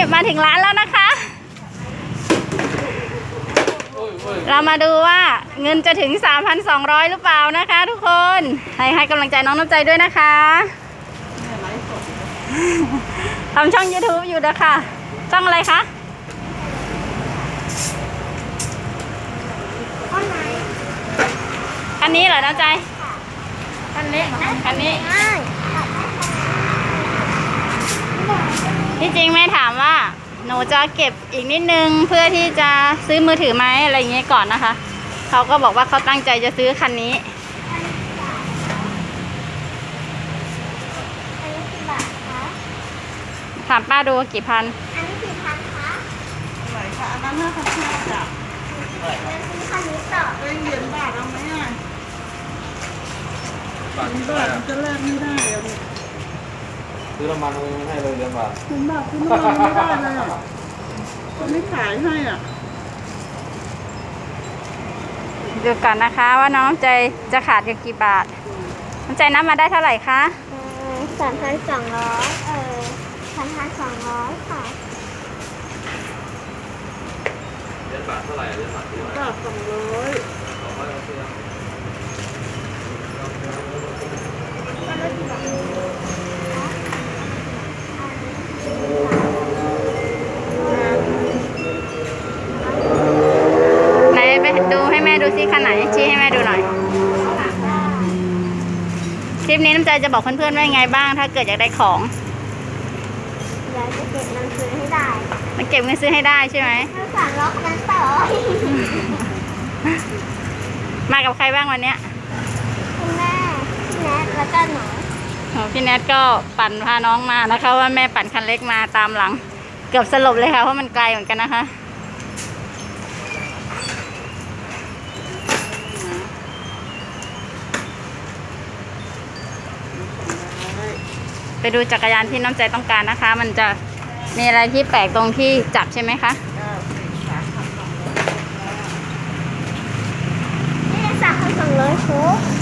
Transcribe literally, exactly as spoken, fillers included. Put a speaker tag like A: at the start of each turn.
A: มาถึงร้านแล้วนะคะ เรามาดูว่าเงินจะถึง สามพันสองร้อย หรือเปล่านะคะทุกคนให้ให้กำลังใจน้องน้ำใจด้วยนะคะทำช่อง ยูทูบ อยู่นะคะช่องอะไรคะคันนี้เหรอน้ำใจคันเล็กคันนี้ที่จริงแม่ถามว่าหนูจะเก็บอีกนิดนึงเพื่อที่จะซื้อมือถือไหมอะไรอย่างเงี้ยก่อนนะคะเขาก็บอกว่าเขาตั้งใจจะซื้อคันนี้ถามป้าดูกี่พัน
B: อันนี้กี่พันคะ
C: ไหนคะอันนั้นห้าพันห้าจ้ะ
B: ซื้อคันนี้ต่อ
C: เองเหรียญบาทเอาไหมอ่ะเหรียญบาทมันจะแลกไม่ได้อ่ะ
D: ซื้อน้ำมันไม่ให้เลยเหรียญบาท
C: เหรียญบาทซื้อน้ำมันไม่ได้เลยอ่ะเขาไม่ขายให้อ่ะ
A: ดูก่อนนะคะว่าน้องใจจะขาดอยู่กี่บาทน้องใจนับมาได้เท่าไหร่คะ
B: สามพันสองร้อยเออสามพันสองร้อยค่ะ
D: เหรียญบาทเท่าไหร่เหรียญบาทเท่าไหร่
C: บาทสองร้อย
D: สองร้อยเอาเสื้อ
A: ไหนไปดูให้แม่ดูซิคันไหนชี้ให้แม่ดูหน่อยคลิปนี้น้ำใจจะบอกเพื่อนๆว่ายังไงบ้างถ้าเกิดอยากได้ของ
B: อยากจะเก็บเงินซื้อให้ได้
A: มันเก็บเงินซื้อให้ได้ใช่ไหม
B: ถ้าสั่งล็อกนั้นต่อ
A: มากับใครบ้างวันเนี้ย
B: คุณแม่พี่แนทแล้วก็หนู
A: พี่แนทก็ปั่นพาน้องมานะคะว่าแม่ปั่นคันเล็กมาตามหลังเกือบสลบเลยค่ะเพราะมันไกลเหมือนกันนะคะไปดูจักรยานที่น้ำใจต้องการนะคะมันจะมีอะไรที่แปลกตรงที่จับใช่ไหมคะ
B: นี่สามพันสองร้อยคุก